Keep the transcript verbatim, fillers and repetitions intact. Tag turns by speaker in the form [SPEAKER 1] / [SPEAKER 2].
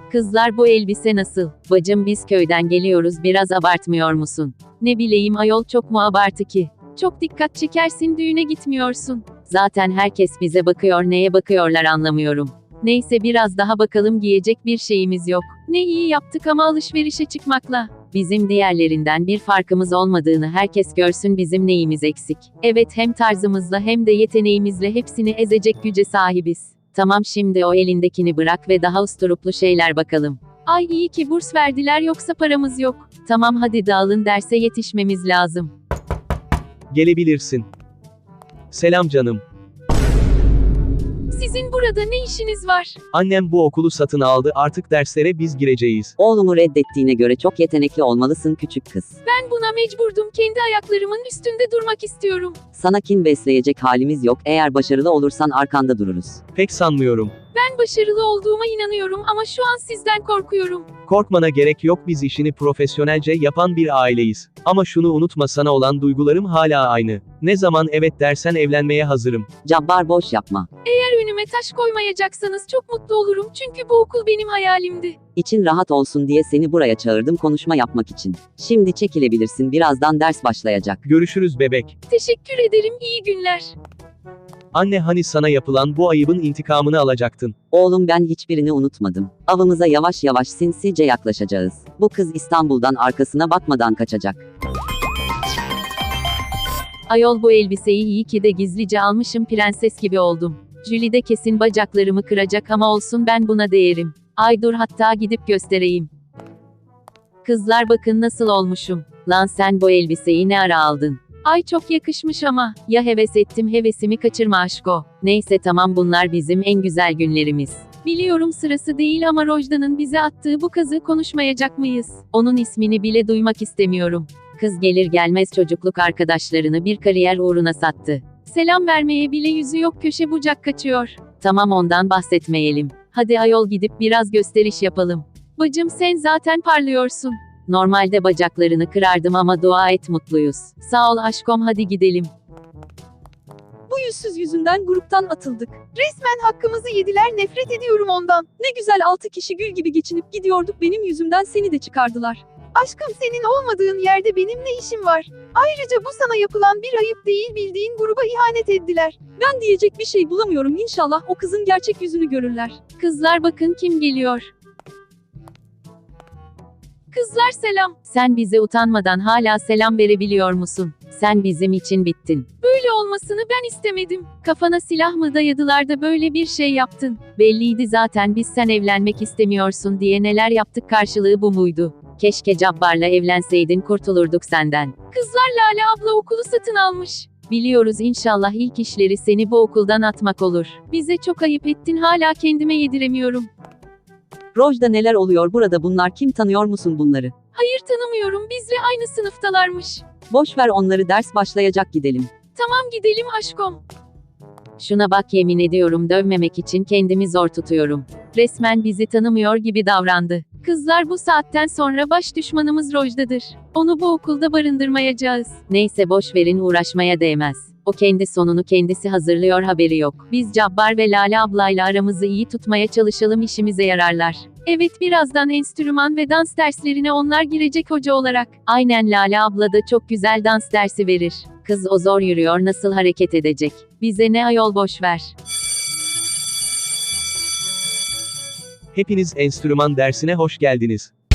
[SPEAKER 1] Kızlar bu elbise nasıl? Bacım biz köyden geliyoruz, biraz abartmıyor musun? Ne bileyim ayol, çok mu abartı ki? Çok dikkat çekersin, düğüne gitmiyorsun. Zaten herkes bize bakıyor, neye bakıyorlar anlamıyorum. Neyse biraz daha bakalım, giyecek bir şeyimiz yok. Ne iyi yaptık ama alışverişe çıkmakla. Bizim diğerlerinden bir farkımız olmadığını herkes görsün, bizim neyimiz eksik. Evet, hem tarzımızla hem de yeteneğimizle hepsini ezecek güce sahibiz. Tamam, şimdi o elindekini bırak ve daha usturuplu şeyler bakalım. Ay iyi ki burs verdiler, yoksa paramız yok. Tamam hadi dağılın, derse yetişmemiz lazım.
[SPEAKER 2] Gelebilirsin. Selam canım.
[SPEAKER 1] Sizin burada ne işiniz var?
[SPEAKER 2] Annem bu okulu satın aldı, artık derslere biz gireceğiz.
[SPEAKER 3] Oğlumu reddettiğine göre çok yetenekli olmalısın küçük kız.
[SPEAKER 1] Ben buna mecburdum, kendi ayaklarımın üstünde durmak istiyorum.
[SPEAKER 3] Sana kin besleyecek halimiz yok, eğer başarılı olursan arkanda dururuz.
[SPEAKER 2] Pek sanmıyorum.
[SPEAKER 1] Ben başarılı olduğuma inanıyorum ama şu an sizden korkuyorum.
[SPEAKER 2] Korkmana gerek yok, biz işini profesyonelce yapan bir aileyiz. Ama şunu unutma, sana olan duygularım hala aynı. Ne zaman evet dersen evlenmeye hazırım.
[SPEAKER 3] Cabbar boş yapma.
[SPEAKER 1] Eğer önüme taş koymayacaksanız çok mutlu olurum, çünkü bu okul benim hayalimdi.
[SPEAKER 3] İçin rahat olsun diye seni buraya çağırdım, konuşma yapmak için. Şimdi çekilebilirsin, birazdan ders başlayacak.
[SPEAKER 2] Görüşürüz bebek.
[SPEAKER 1] Teşekkür ederim, iyi günler.
[SPEAKER 2] Anne, hani sana yapılan bu ayıbın intikamını alacaktın.
[SPEAKER 3] Oğlum ben hiçbirini unutmadım. Avımıza yavaş yavaş sinsice yaklaşacağız. Bu kız İstanbul'dan arkasına bakmadan kaçacak.
[SPEAKER 1] Ayol, bu elbiseyi iyi ki de gizlice almışım, prenses gibi oldum. Julie de kesin bacaklarımı kıracak ama olsun, ben buna değerim. Ay dur, hatta gidip göstereyim. Kızlar bakın nasıl olmuşum. Lan sen bu elbiseyi ne ara aldın? Ay çok yakışmış ama. Ya heves ettim, hevesimi kaçırma aşko. Neyse tamam, bunlar bizim en güzel günlerimiz. Biliyorum sırası değil ama Rojda'nın bize attığı bu kazığı konuşmayacak mıyız? Onun ismini bile duymak istemiyorum. Kız gelir gelmez çocukluk arkadaşlarını bir kariyer uğruna sattı. Selam vermeye bile yüzü yok, köşe bucak kaçıyor. Tamam, ondan bahsetmeyelim. Hadi ayol, gidip biraz gösteriş yapalım. Bacım sen zaten parlıyorsun. Normalde bacaklarını kırardım ama dua et mutluyuz. Sağ ol aşkom, hadi gidelim.
[SPEAKER 4] Bu yüzsüz yüzünden gruptan atıldık. Resmen hakkımızı yediler, nefret ediyorum ondan. Ne güzel altı kişi gül gibi geçinip gidiyorduk, benim yüzümden seni de çıkardılar. Aşkım, senin olmadığın yerde benim ne işim var? Ayrıca bu sana yapılan bir ayıp değil, bildiğin gruba ihanet ettiler. Ben diyecek bir şey bulamıyorum, inşallah o kızın gerçek yüzünü görürler.
[SPEAKER 1] Kızlar bakın kim geliyor. Kızlar selam. Sen bize utanmadan hala selam verebiliyor musun? Sen bizim için bittin. Böyle olmasını ben istemedim. Kafana silah mı dayadılar da böyle bir şey yaptın? Belliydi zaten, biz sen evlenmek istemiyorsun diye neler yaptık, karşılığı bu muydu? Keşke Cabbar'la evlenseydin, kurtulurduk senden. Kızlar, Lale abla okulu satın almış. Biliyoruz, inşallah ilk işleri seni bu okuldan atmak olur. Bize çok ayıp ettin, hala kendime yediremiyorum.
[SPEAKER 3] Rojda, neler oluyor burada, bunlar kim, tanıyor musun bunları?
[SPEAKER 1] Hayır tanımıyorum, bizle aynı sınıftalarmış.
[SPEAKER 3] Boş ver onları, ders başlayacak, gidelim.
[SPEAKER 1] Tamam gidelim aşkom. Şuna bak, yemin ediyorum dövmemek için kendimi zor tutuyorum. Resmen bizi tanımıyor gibi davrandı. Kızlar, bu saatten sonra baş düşmanımız Rojda'dır. Onu bu okulda barındırmayacağız. Neyse boş verin, uğraşmaya değmez. O kendi sonunu kendisi hazırlıyor, haberi yok. Biz Cabbar ve Lale ablayla aramızı iyi tutmaya çalışalım, işimize yararlar. Evet, birazdan enstrüman ve dans derslerine onlar girecek hoca olarak. Aynen, Lale abla da çok güzel dans dersi verir. Kız o zor yürüyor, nasıl hareket edecek? Bize ne ayol, boş ver.
[SPEAKER 2] Hepiniz enstrüman dersine hoş geldiniz.